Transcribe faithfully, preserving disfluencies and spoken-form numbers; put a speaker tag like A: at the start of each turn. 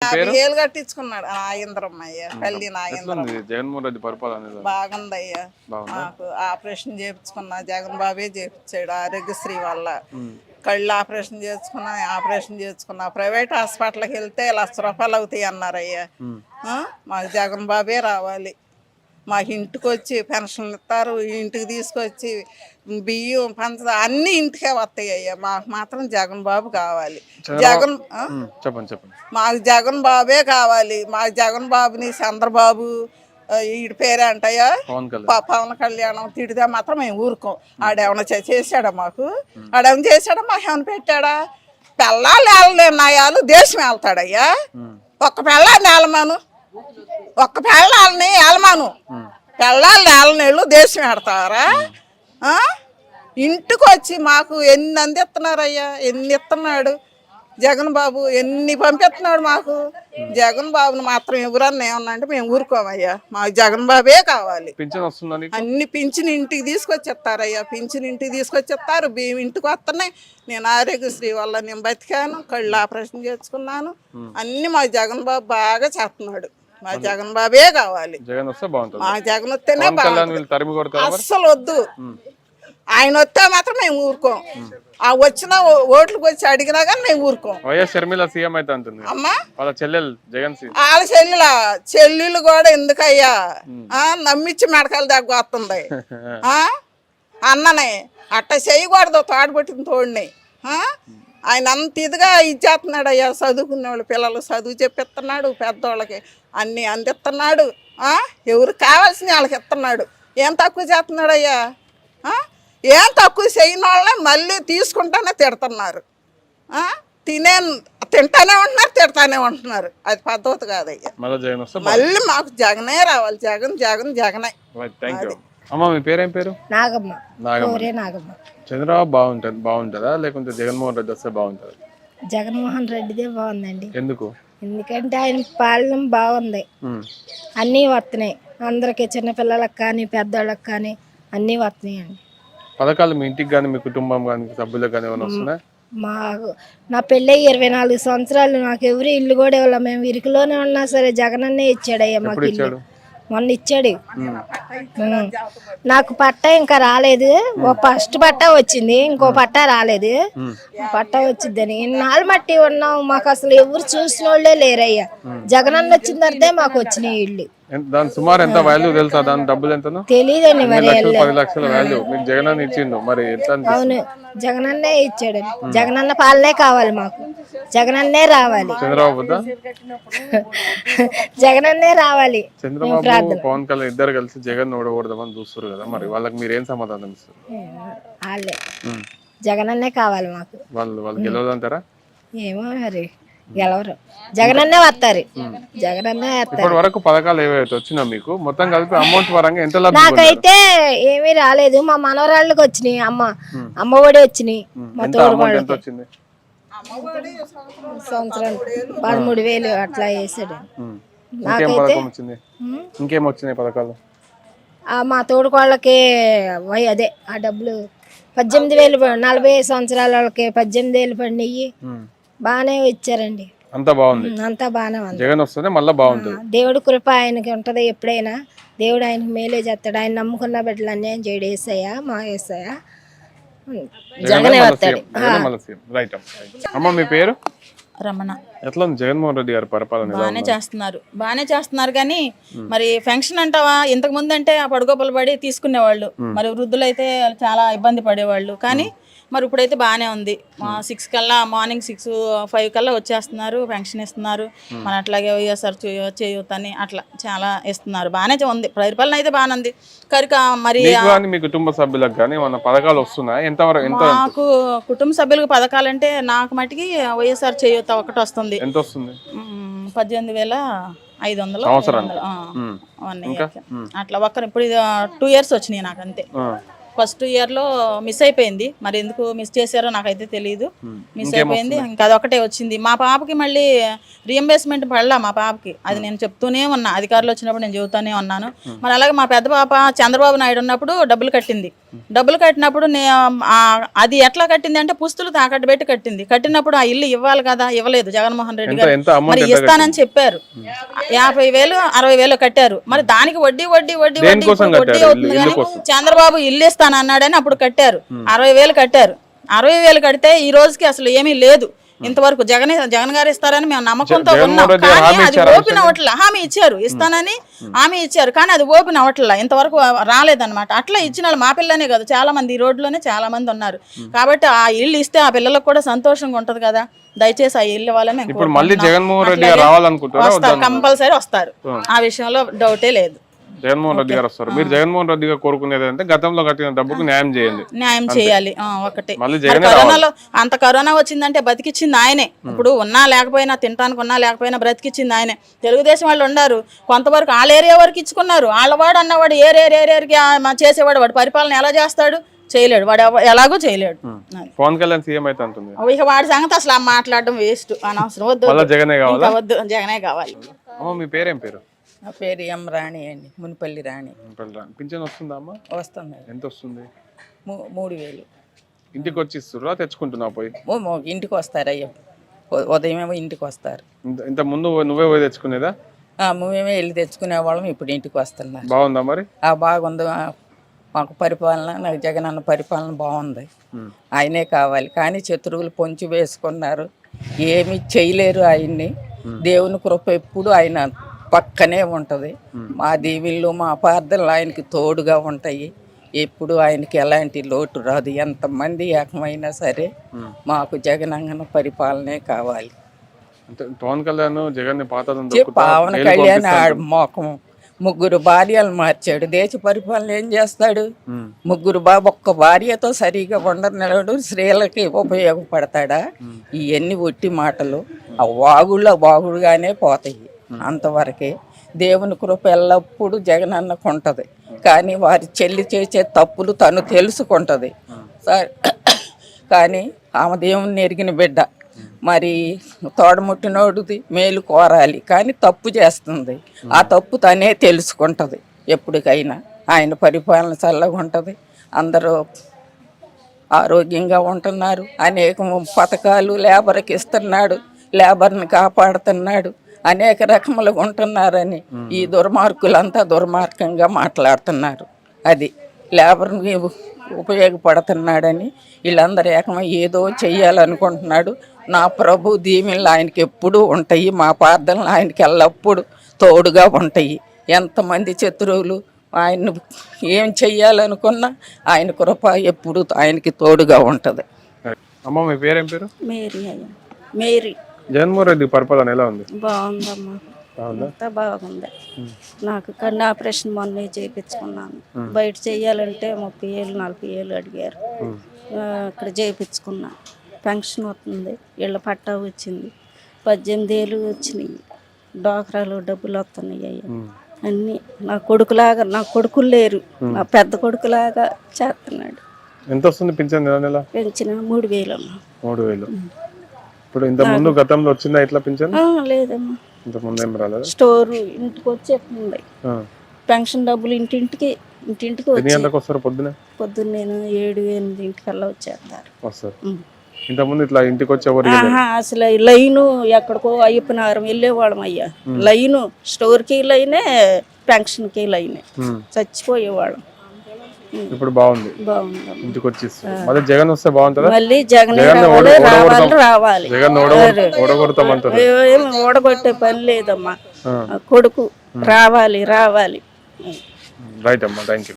A: ఏళ్ళు కట్టించుకున్నాడు నాగేంద్రమ్మ అయ్యా, పల్లి నాగేంద్రమ్మ.
B: జగన్మోహన్ రెడ్డి పరిపాలన
A: బాగుందయ్యా, మాకు ఆపరేషన్ చేయించుకున్నా జగన్ బాబే చేయించాడు ఆరోగ్యశ్రీ వల్ల. కళ్ళు ఆపరేషన్ చేసుకున్నా, ఆపరేషన్ చేసుకున్నా. ప్రైవేట్ హాస్పిటల్కి వెళ్తే లక్ష రూపాయలు అవుతాయి అన్నారయ్యా. మాకు జగన్ బాబే రావాలి. మాకు ఇంటికి వచ్చి పెన్షన్లు ఇస్తారు, ఇంటికి తీసుకొచ్చి బియ్యం పంచ అన్ని ఇంటికే వస్తాయి అయ్యా. మాకు మాత్రం జగన్ బాబు కావాలి. జగన్
B: చెప్పండి చెప్పండి
A: మాకు జగన్ బాబే కావాలి. మాకు జగన్ బాబుని చంద్రబాబు వీడి పేరే అంటయ్యా పవన్ కళ్యాణం తిడితే మాత్రం మేము ఊరుకోం. ఆడేమన్నా చేశాడా మాకు? ఆడేమన్నా చేశాడా? మాకు ఏమైనా పెట్టాడా? పెళ్ళాలు ఏళ్ళనాయాలు దేశం వెళ్తాడయ్యా. ఒక్క పెళ్ళాన్ని ఏలమాను, ఒక్క పెళ్ళాలని ఏలమాను. పెళ్ళాలని ఏలనేళ్ళు దేశం పెడతారా? ఇంటికి వచ్చి మాకు ఎన్ని అందిస్తున్నారయ్యా, ఎన్ని ఇస్తున్నాడు జగన్ బాబు, ఎన్ని పంపిస్తున్నాడు మాకు. జగన్ బాబుని మాత్రం ఎవరన్నా ఏమన్నా అంటే మేము ఊరుకోమయ్యా. మాకు జగన్ బాబే కావాలి. అన్ని పింఛన్ ఇంటికి తీసుకొచ్చిస్తారయ్యా, పింఛన్ ఇంటికి తీసుకొచ్చిస్తారు, బియ్యం ఇంటికి వస్తున్నాయి. నేను ఆరోగ్యశ్రీ వల్ల నేను బతికాను, కళ్ళు ఆపరేషన్ చేసుకున్నాను. అన్ని మా జగన్ బాబు బాగా చేస్తున్నాడు. మా జగన్ బాబే కావాలి. మా జగన్ వస్తేనే బాగుంటుంది. అస్సలు వద్దు. ఆయన వస్తే మాత్రం మేము ఊరుకోం. ఆ వచ్చిన ఓట్లకు వచ్చి అడిగినా కానీ మేము ఊరుకోం. అమ్మా వాళ్ళ చెల్లెల చెల్లెలు కూడా ఎందుకయ్యా నమ్మించి మెడకాయలు దగ్గర వస్తుంది. అన్ననే అట్ట చేయకూడదు, తోడబట్టిన తోడిని. ఆయన అంత ఇదిగా ఇచ్చేస్తున్నాడు అయ్యా. చదువుకునే వాళ్ళు పిల్లలు చదువు చెప్పిస్తున్నాడు, పెద్దోళ్ళకి అన్ని అందిస్తున్నాడు. ఎవరు కావాల్సిన వాళ్ళకి ఇస్తున్నాడు. ఏం తక్కువ చేస్తున్నాడు అయ్యా? ఏం తక్కువ చేయని వాళ్ళని మళ్ళీ తీసుకుంటానే తిడుతున్నారు. తినే తింటానే ఉంటున్నారు, తిడతానే ఉంటున్నారు. అది పద్ధతి కాదయ్యా. మళ్ళీ మాకు జగనే రావాలి. జగన్ జగన్ జగనే.
B: పేరేం పేరు?
C: నాగమ్మ.
B: నాగమ్మ. చంద్రబాబు బాగుంటుంది బాగుంటుందా లేకుంటే జగన్మోహన్ రెడ్డి వస్తే బాగుంటుంది?
C: జగన్మోహన్ రెడ్డిదే బాగుందండి.
B: ఎందుకు?
C: ఎందుకంటే ఆయన పాలన బాగుంది. అన్నీ వస్తున్నాయి అందరికి, చిన్నపిల్లలకు కానీ పెద్దోళ్ళకి కానీ అన్నీ వస్తున్నాయి అండి.
B: పథకాలు మీ ఇంటికి కానీ మీ కుటుంబం కానీ సభ్యులకు కానీ ఏమైనా వస్తున్నాయి?
C: మాకు నా పెళ్ళి ఇరవై నాలుగు సంవత్సరాలు, నాకు ఎవరు ఇల్లు కూడా ఇవ్వాలి. మేము ఇరుకులోనే ఉన్నా సరే జగనన్నే ఇచ్చాడయ్యా మాకు ఇల్లు. మొన్న ఇచ్చాడు. నాకు పట్టా ఇంకా రాలేదు. ఓ ఫస్ట్ పట్టా వచ్చింది, ఇంకో పట్టా రాలేదు. పట్టా వచ్చిందని ఇన్నాళ్ళు మట్టి ఉన్నాం. మాకు అసలు ఎవరు చూసిన వాళ్ళే లేరయ్యా. జగనన్న వచ్చిన తర్వాతే మాకు వచ్చినాయి ఇల్లు.
B: దాని సుమారు ఎంత వాల్యూ తెలుసా? దాని డబ్బులు ఎంత?
C: తెలియదండి. మరి
B: పది లక్షల వాల్యూ మీకు జగనన్న ఇచ్చిండు. మరి
C: అవును, జగనన్నే ఇచ్చాడు. జగనన్న పాలనే కావాలి మాకు. జగనన్నే రావాలి.
B: చంద్రబాబు
C: జగనన్నే రావాలి.
B: చంద్రబాబు పవన్ కళ్యాణ్ ఇద్దరు కలిసి జగన్ ఓడకూడదామని చూస్తారు కదా, మరి వాళ్ళకి మీరు ఏం సమాధానం ఇస్తారు?
C: వాళ్ళే జగనన్నే కావాలి మాకు.
B: వాళ్ళు వాళ్ళు గెలవదంటారా?
C: ఏమో మరి గెలవరు. జగనన్నే వస్తారు. జగనన్నే వస్తారు.
B: ఇప్పటి వరకు పథకాలు ఏవైతే వచ్చినా మీకు మొత్తం కలిపి అమౌంట్ పరంగా ఎంత?
C: నాకైతే ఏమీ రాలేదు. మా మనవరాళ్ళకి వచ్చినాయి. అమ్మ అమ్మ ఒడి వచ్చినాయి. మా తోడుకోళ్ళకి సంవత్సరం పదమూడు వేలు అట్లా వేసాడు. నాకైతే
B: ఇంకేం వచ్చినాయి పథకాలు?
C: మా తోడుకోళ్ళకి అదే ఆ డబ్బులు పద్దెనిమిది వేలు నలభై ఐదు సంవత్సరాల వాళ్ళకి పద్దెనిమిది వేలు పడినాయి. బాగానే ఇచ్చారండి.
B: అంతా బాగుంది.
C: అంతా బాగానే ఉంది.
B: జగన్ వస్తేనే మళ్ళీ బాగుంటుంది.
C: దేవుడి కృప ఆయనకి ఉంటది ఎప్పుడైనా. దేవుడు ఆయనకి మేలే చేస్తాడు. ఆయన నమ్ముకున్న బిడ్డలు అన్యాయం చేయడు. వేసాయా మా వేసాయా జగనే వస్తాడు.
B: అమ్మ మీ పేరు?
D: రమణ.
B: ఎట్లా ఉంది జగన్మోహన్ రెడ్డి గారి పరిపాలన?
D: బాగానే చేస్తున్నారు బాగానే చేస్తున్నారు కానీ మరి పెన్షన్ అంటావా? ఇంతకు ముందు అంటే ఆ పడుకోపలు పడి తీసుకునేవాళ్ళు. మరి వృద్ధులు అయితే చాలా ఇబ్బంది పడేవాళ్ళు. కానీ మరి ఇప్పుడైతే బాగానే ఉంది. సిక్స్ కల్లా మార్నింగ్ సిక్స్ ఫైవ్ కల్లా వచ్చేస్తున్నారు, పెన్షన్ ఇస్తున్నారు. మన అట్లాగే వైఎస్ఆర్ చేయూత అని అట్లా చాలా ఇస్తున్నారు. బాగానే ఉంది. పరిపాలన అయితే బాగానే ఉంది. కనుక మరి
B: మీ కుటుంబ సభ్యులకు కానీ మన పథకాలు వస్తున్నాయి ఎంతవరకు?
D: నాకు కుటుంబ సభ్యులకు పథకాలు అంటే నాకు మటుకి వైఎస్ఆర్ చేయూత ఒకటి వస్తుంది.
B: ఎంత వస్తుంది?
D: పద్దెనిమిది వేల ఐదు వందలు
B: సంవత్సరం
D: అట్లా ఒక్కరు. ఇప్పుడు టూ ఇయర్స్ వచ్చినాయి నాకు అంతే. ఫస్ట్ ఇయర్లో మిస్ అయిపోయింది. మరి ఎందుకు మిస్ చేశారో నాకైతే తెలియదు. మిస్ అయిపోయింది, ఇంకా అదొకటే వచ్చింది. మా పాపకి మళ్ళీ రీఎంబర్స్మెంట్ పడలా మా పాపకి. అది నేను చెప్తూనే ఉన్నా, అధికారులు వచ్చినప్పుడు నేను చెబుతూనే ఉన్నాను. మరి అలాగే మా పెద్ద పాప చంద్రబాబు నాయుడు ఉన్నప్పుడు డబ్బులు కట్టింది. డబ్బులు కట్టినప్పుడు నే అది ఎట్లా కట్టింది అంటే పుస్తులు తాకట్టు పెట్టి కట్టింది. కట్టినప్పుడు ఆ ఇల్లు ఇవ్వాలి కదా, ఇవ్వలేదు జగన్మోహన్ రెడ్డి గారు. మరి ఇస్తానని చెప్పారు, యాభై వేలు అరవై వేలు కట్టారు. మరి దానికి వడ్డీ వడ్డీ వడ్డీ వడ్డీ వడ్డీ అవుతుంది. కానీ చంద్రబాబు ఇల్లు ఇస్తాను అన్నాడని అప్పుడు కట్టారు, అరవై వేలు కట్టారు. అరవై వేలు కడితే ఈ రోజుకి అసలు ఏమీ లేదు. ఇంతవరకు జగన్ జగన్ గారు ఇస్తారని మేము నమ్మకంతో ఉన్నాం. కానీ అది ఓపెన్ అవ్వట్లా. హామీ ఇచ్చారు, ఇస్తానని హామీ ఇచ్చారు, కానీ అది ఓపెన్ అవ్వట్లా. ఇంతవరకు రాలేదన్నమాట. అట్లా ఇచ్చిన వాళ్ళు మా పిల్లనే కాదు, చాలా మంది ఈ రోడ్లోనే చాలా మంది ఉన్నారు. కాబట్టి ఆ ఇల్లు ఇస్తే ఆ పిల్లలకు కూడా సంతోషంగా ఉంటది కదా. దయచేసి ఆ ఇల్లు వాళ్ళని వస్తారు, కంపల్సరీ వస్తారు. ఆ విషయంలో డౌటే లేదు.
B: జగన్మోహన్ రెడ్డి గారు వస్తారు. మీరు జగన్మోహన్ రెడ్డి గారు కోరుకునేది అంటే గతంలో కట్టిన డబ్బుకు న్యాయం చేయండి.
D: న్యాయం చేయాలి ఒకటి. కరోనాలో అంత కరోనా వచ్చిందంటే బతికిచ్చింది ఆయనే. ఇప్పుడు ఉన్నా లేకపోయినా, తినడానికి ఉన్నా లేకపోయినా బ్రతికిచ్చింది ఆయనే. తెలుగుదేశం వాళ్ళు ఉన్నారు, కొంతవరకు వాళ్ళ ఏరియా వరకు ఇచ్చుకున్నారు. వాళ్ళవాడు అన్నవాడు ఏరియా ఏరియాకి చేసేవాడు, వాడు పరిపాలన ఎలా చేస్తాడు? చేయలేడు, వాడు ఎలాగో చేయలేడు.
B: పవన్ కళ్యాణ్ సీఎం అయితే అంటుంది.
D: ఇక వాడి సంగతి అసలు మాట్లాడడం వేస్ట్, అనవసరం. వద్దు
B: జగనే కావాలి,
D: వద్దు జగనే కావాలి.
B: మీ పేరేం పేరు?
E: నా పేరు ఎం రాణి అండి, మునిపల్లి రాణి.
B: పింఛన్ వస్తుందా అమ్మా?
E: వస్తుంది.
B: ఎంత వస్తుంది?
E: మూడు వేలు.
B: ఇంటికి వచ్చి ఇస్తురా, తెచ్చుకుంటున్నా పోయి?
E: ఇంటికి వస్తారు అయ్యో, ఉదయం ఏమో ఇంటికి వస్తారు.
B: ఇంత ముందు నువ్వే పోయి తెచ్చుకునేదా?
E: మేమే వెళ్ళి తెచ్చుకునే వాళ్ళం, ఇప్పుడు ఇంటికి వస్తున్నారు.
B: బాగుందా మరి?
E: బాగుంది. మాకు పరిపాలన, నాకు జగన్ అన్న పరిపాలన బాగుంది. ఆయనే కావాలి. కానీ శత్రువులు పొంచి వేసుకున్నారు, ఏమి చేయలేరు ఆయన్ని. దేవుని కృప ఎప్పుడు ఆయన పక్కనే ఉంటుంది. మా దీవిళ్ళు మా ప్రార్థనలు ఆయనకి తోడుగా ఉంటాయి. ఎప్పుడు ఆయనకి ఎలాంటి లోటు రాదు. ఎంతమంది ఏకమైనా సరే మాకు జగనన్న పరిపాలనే కావాలి.
B: పవన్ కళ్యాణ్ జగన్
E: పవన్ కళ్యాణ్ మోకం ముగ్గురు భార్యలు మార్చాడు. దేశ పరిపాలన ఏం చేస్తాడు? ముగ్గురు బాబు ఒక్క భార్యతో సరిగా ఉండనివాడు స్త్రీలకి ఉపయోగపడతాడా? ఇవన్నీ ఒట్టి మాటలు. ఆ వాగుళ్ళ వాగుడుగానే పోతాయి, అంతవరకే. దేవుని కృప ఎల్లప్పుడూ జగనన్నకు ఉంటుంది. కానీ వారి చెల్లి చేసే తప్పులు తను తెలుసుకుంటుంది. కానీ ఆమె దేవుని ఎరిగిన బిడ్డ, మరి తోడముట్టినోడిది మేలు కోరాలి, కానీ తప్పు చేస్తుంది. ఆ తప్పు తనే తెలుసుకుంటుంది. ఎప్పటికైనా ఆయన పరిపాలన చల్లగా ఉంటుంది. అందరూ ఆరోగ్యంగా ఉంటున్నారు. అనేక పథకాలు లేబర్కి ఇస్తున్నాడు, లేబర్ని కాపాడుతున్నాడు. అనేక రకములుగా ఉంటున్నారని ఈ దుర్మార్గులంతా దుర్మార్గంగా మాట్లాడుతున్నారు. అది లేబర్ని ఉపయోగపడుతున్నాడని వీళ్ళందరూ ఏకమై ఏదో చెయ్యాలనుకుంటున్నాడు. నా ప్రభు దీవెనలు ఆయనకి ఎప్పుడూ ఉంటాయి. మా ప్రార్థనలు ఆయనకి ఎల్లప్పుడూ తోడుగా ఉంటాయి. ఎంతమంది శత్రువులు ఆయన ఏం చెయ్యాలనుకున్నా ఆయన కృప ఎప్పుడు ఆయనకి తోడుగా ఉంటుంది.
B: అమ్మ మీ పేరేం పేరు?
F: మేరీ. అయ్యా మేరీ.
B: జగన్మోహన్ రెడ్డి పరిపాలన ఎలా ఉంది?
F: బాగుందమ్మా, అంతా బాగుంది. నాకు కన్ను ఆపరేషన్ మొన్నే చేయించుకున్నాను. బయట చెయ్యాలంటే ముప్పై ఏళ్ళు నలభై ఏళ్ళు అడిగారు. అక్కడ చేయించుకున్నా. పెన్షన్ వస్తుంది, ఇళ్ళ పట్టా వచ్చింది, పద్దెనిమిది ఏళ్ళు వచ్చినాయి, డోక్రాలు డబ్బులు వస్తున్నాయి. అయ్యా అన్నీ నా కొడుకులాగా, నా కొడుకులు లేరు, నా పెద్ద కొడుకులాగా చేస్తున్నాడు.
B: ఎంత వస్తుంది పింఛన్?
F: పెంచిన మూడు వేలు అమ్మా.
B: మూడు వేలు. ఇప్పుడు ఇంత ముందు గతంలో వచ్చిందా ఇట్లా పింఛన్?
F: లేదమ్మా,
B: ఇంత ముందు ఏం రాలేదు.
F: స్టోర్ ఇంటికి వచ్చేస్తుంది పెన్షన్ డబ్బులు. ఇంటింటికి ఇంటింటికి
B: వస్తారు. పొద్దున
F: పొద్దున్న నేను ఏడు ఎనిమిది ఇంటికల్లా వచ్చేస్తారు.
B: వస్తారు. ఇంత ముందు ఇట్లా ఇంటికి వచ్చి ఎవరు
F: అసలు లైను ఎక్కడికో అయ్యప్పనారం వెళ్ళేవాళ్ళం అయ్యా. లైను స్టోర్కి లైనే, పెన్షన్కి లైనే, చచ్చిపోయేవాళ్ళం.
B: ఇప్పుడు బాగుంది,
F: బాగుంది.
B: ఇంటికి వచ్చి మళ్ళీ జగన్ వస్తే బాగుంటుందా?
F: మళ్ళీ జగన్ రావాలి, రావాలి, రావాలి.
B: జగన్ ఓడగొడతామంటారు.
F: ఏమి ఓడగొట్టే పని లేదమ్మా, కొడుకు రావాలి, రావాలి.
B: రైట్ అమ్మా, థ్యాంక్ యూ.